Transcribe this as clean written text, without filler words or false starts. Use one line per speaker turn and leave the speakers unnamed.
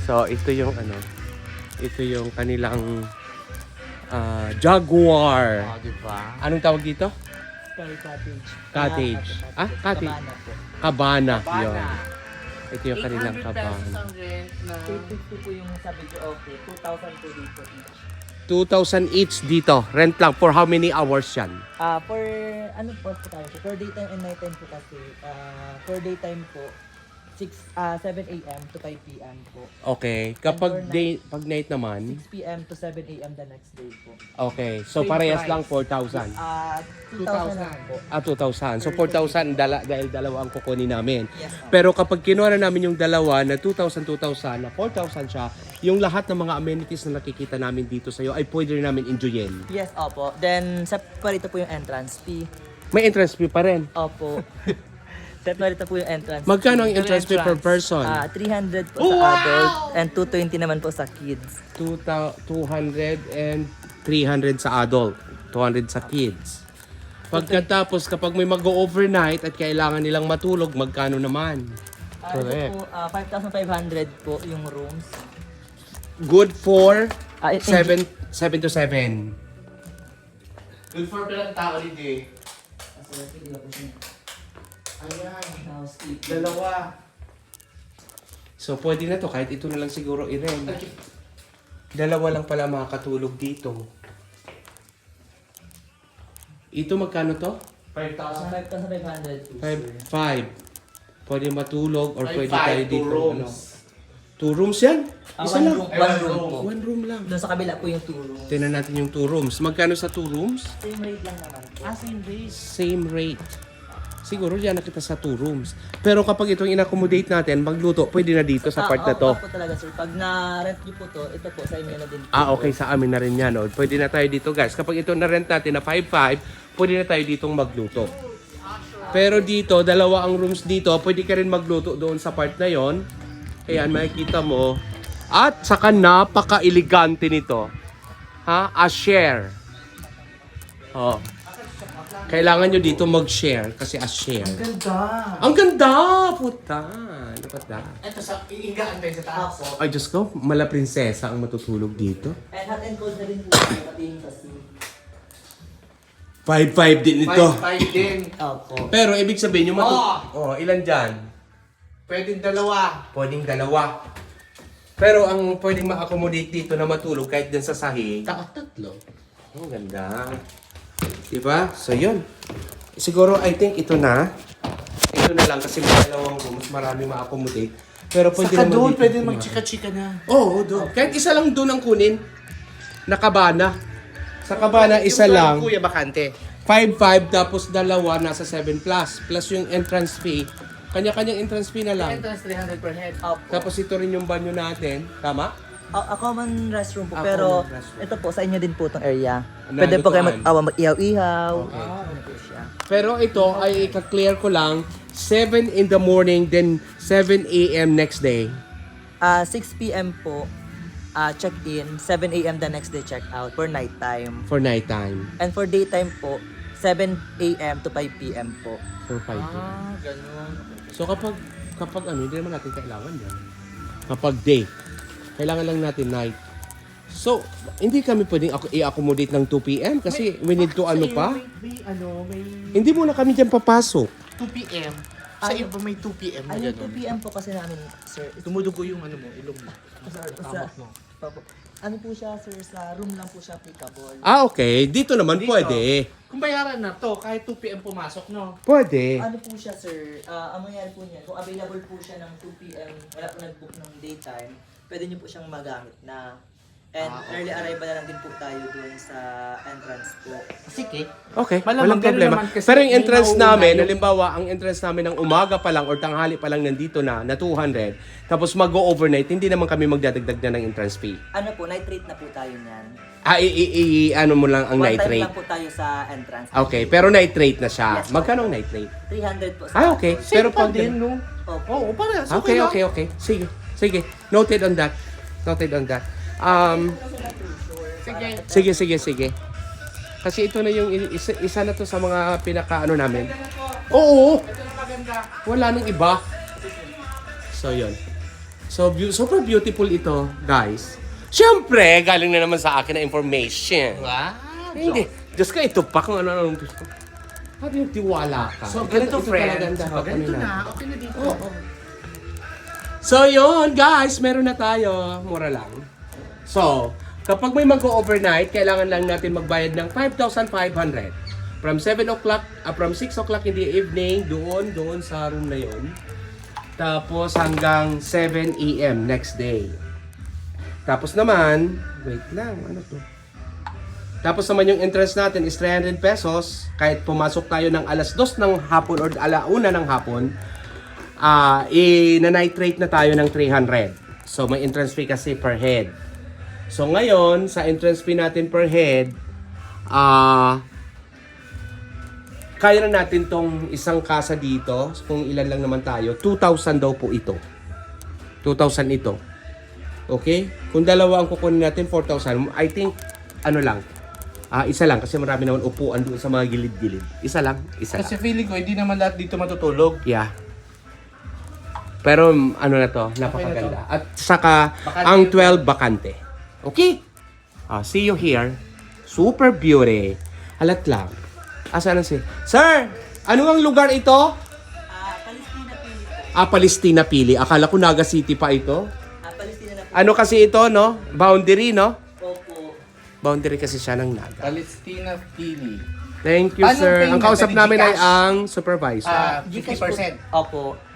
So, ito yung ano, ito yung kanilang Jaguar.
Oh, diba?
Anong tawag dito?
Sky Cottage.
Cottage. Ah, cottage.
Cabana po.
Cabana. Yun.
Bana.
Ito yung kanilang
800 pesos
cabana.
ang rent na...
350 po yung sa video okay. 2,000 po dito each.
2,000 each dito. Rent lang for how many hours yan?
For ano po tayo? For daytime and nighttime po kasi. For daytime po 7 a.m. to 5 p.m. po.
Okay. Kapag
And for
day, pag night naman,
6 p.m. to 7 a.m. the next day po.
okay. So
Same
parehas
price.
lang 4,000.
2,000 lang po.
2,000. So 4,000 dahil dalawa ang kukunin namin.
Yes, po.
Pero kapag kinuha na namin yung dalawa na 2,000, 2,000, na 4,000 siya, yung lahat ng mga amenities na nakikita namin dito sa'yo ay pwede rin namin enjoyin.
Yes, opo. Then, separate po yung entrance fee.
May entrance fee pa rin.
Opo. Separate po yung entrance
Magkano ang entrance fee per
entrance?
person?
300 po sa adult and 220 naman po sa kids.
200 and 300 sa adult, 200 sa kids. Pagkatapos, kapag may mag-overnight at kailangan nilang matulog, magkano naman? Correct.
Ito po, 5,500 po yung rooms.
Good for
I think-
7 to 7.
Good for pilang tao rin eh. Ayan.
Housekeeping.
Dalawa.
So, pwede na to. Kahit ito na lang siguro i-rent. Dalawa lang pala makakatulog dito. Ito magkano to?
5,000.
5,500 po.
5. Pwede matulog or pwede
5,
tayo
2
dito.
rooms.
2 rooms yan? Isa
One
lang.
room,
Ay,
one
one
room
room.
po.
1 room lang.
Doon sa kabila po yung 2 rooms.
Tingnan natin yung 2 rooms. Magkano sa 2 rooms?
Same rate lang naman po.
Same days.
Same rate. Siguro diyan na kita sa 2 rooms. Pero kapag itong in-accommodate natin, magluto, pwede na dito sa part na to.
Opo talaga sir. Pag na-rent niyo po to, ito po sa inyo na din po.
Okay, sa amin na rin yan. Oh. Pwede na tayo dito, guys. Kapag ito na-rent natin na 5,500, pwede na tayo ditong magluto. Pero dito, dalawa ang rooms dito. Pwede ka rin magluto doon sa part na yon. Ayan, makikita mo. At saka napaka-elegante nito. Ha? A share. Oh. Kailangan nyo dito mag-share kasi a share.
Ganda.
Ang ganda! Puta! Dapat na.
Ito sa iingaan tayo sa taas.
Opo.
Ay, Diyos ko, mala prinsesa ang matutulog dito.
And hot and cold na rin po pati yung sa sea.
5,500 din ito.
5 din.
Opo.
Pero ibig sabihin yung ilan dyan?
Pwedeng dalawa.
Pwedeng dalawa. Pero ang pwedeng ma-accommodate dito na matulog kahit dyan sa sahig.
Tatlo.
Ang ganda. Diba? So yun. Siguro I think ito na. Ito na lang kasi may dalawang room. Mas marami ma-accommodate. Pero pwede
Saka
naman
doon,
dito
pwede
kumain.
magchika-chika na.
Oo, doon. Kahit isa lang doon ang kunin. Nakabana. Sa kabana, isa
Yung
lang.
Kuya Bakante.
5,500 tapos dalawa nasa 7 plus. Plus yung entrance fee. Kanya-kanyang entrance fee na lang.
Entrance 300 per head.
Opo.
Tapos ito rin yung banyo natin. Tama?
A common restroom po.
A
pero
common restroom.
ito po, sa inyo din po itong area.
Na
Pwede po kayo
lutuan.
mag-ihaw-ihaw.
Okay.
Ano po siya.
Pero ito ay ika-clear ko lang 7 in the morning then 7 a.m. next day.
6 p.m. po, check-in. 7 a.m. the next day check-out for nighttime.
For nighttime.
And for daytime po, 7 a.m. to 5 p.m. po.
For 5 p.m.
Ganun.
So kapag ano, hindi naman natin kailangan yan. Kapag day, kailangan lang natin night. So, hindi kami pwedeng i-accommodate ng 2 p.m. kasi we need to ano pa.
May
Hindi muna kami dyan papasok.
2 p.m. Sa
Ano?
iba may 2 p.m. na
Ay, yung
ganun.
2 p.m. po kasi namin, sir.
Dumudugo yung ano mo, ilong mo.
Sa, ano po siya, sir, sa room lang po siya applicable.
Okay. Dito naman
Dito.
pwede.
Kung bayaran na to, kahit 2 p.m. pumasok, no?
Pwede.
Ano po siya, sir? Ang mangyari po niya, kung available po siya ng 2 p.m., wala po nag-book ng daytime, pwede niyo po siyang magamit na. And
Okay.
early arrival na lang din po tayo dun sa entrance po.
Sige.
Okay,
Malamang
walang problema.
ganun naman kasi
Pero yung
may
entrance
nauuna
namin,
yung-
halimbawa, ang entrance namin ng umaga pa lang or tanghali pa lang nandito na 200, tapos mag-overnight, hindi naman kami magdadagdag na ng entrance fee.
Ano po, night rate na po tayo niyan.
Ano mo lang ang
One
night
time
rate.
lang po tayo sa entrance.
Okay, pero night rate na siya.
Yes,
Magkano ang night rate?
300 po sa
Ah, okay.
Pero
Pero pag
din, no?
Opo.
Oo, parehas.
Okay,
lang.
okay. Sige. Sige. Noted on that. Noted on that. Sige. Kasi ito na yung isa na to sa mga pinaka-ano namin. Oo.
Ito na maganda.
Wala nang iba. So, yun. So, super beautiful ito, guys. Siyempre, galing na naman sa akin na information.
Wow.
Hindi. Diyos ko, ito pa kung ano-ano gusto ko. Parang yung tiwala ka.
So, ganito,
Ito talaga ang
friends.
dapat
Ganito
ano
na. Okay na dito.
So, yun, guys. Meron na tayo. Mura lang. So, kapag may mag-overnight, kailangan lang natin magbayad ng 5,500. From 7 o'clock, from 6 o'clock in the evening, doon sa room na yun. Tapos hanggang 7 a.m. next day. Tapos naman, wait lang, ano to? Tapos naman yung entrance natin is 300 pesos. Kahit pumasok tayo ng alas 2 ng hapon or alauna ng hapon, na-night rate na tayo ng 300. So may entrance fee kasi per head. So ngayon, sa entrance fee natin per head, kaya na natin tong isang kasa dito, kung ilan lang naman tayo, 2,000 daw po ito. 2,000 ito. Okay? Kung dalawa ang kukunin natin, 4,000. I think, ano lang, isa lang kasi marami naman upuan doon sa mga gilid-gilid. Isa lang.
Kasi feeling ko, hindi naman lahat dito matutulog.
Yeah. Pero ano na to, napakaganda. At saka, ang 12 bakante. Okay? See you here. Super beauty. Halat lang. Asan na si? Sir, ano ang lugar ito?
Palestina Pili po.
Palestina Pili. Akala ko Naga City pa ito.
Palestina na po.
Ano kasi ito, no? Boundary, no?
Opo.
Boundary kasi siya ng Naga.
Palestina Pili.
Thank you,
Anong
sir.
payment?
Ang kausap
Pwede
namin ay
Gcash?
ang supervisor.
50%.
Opo.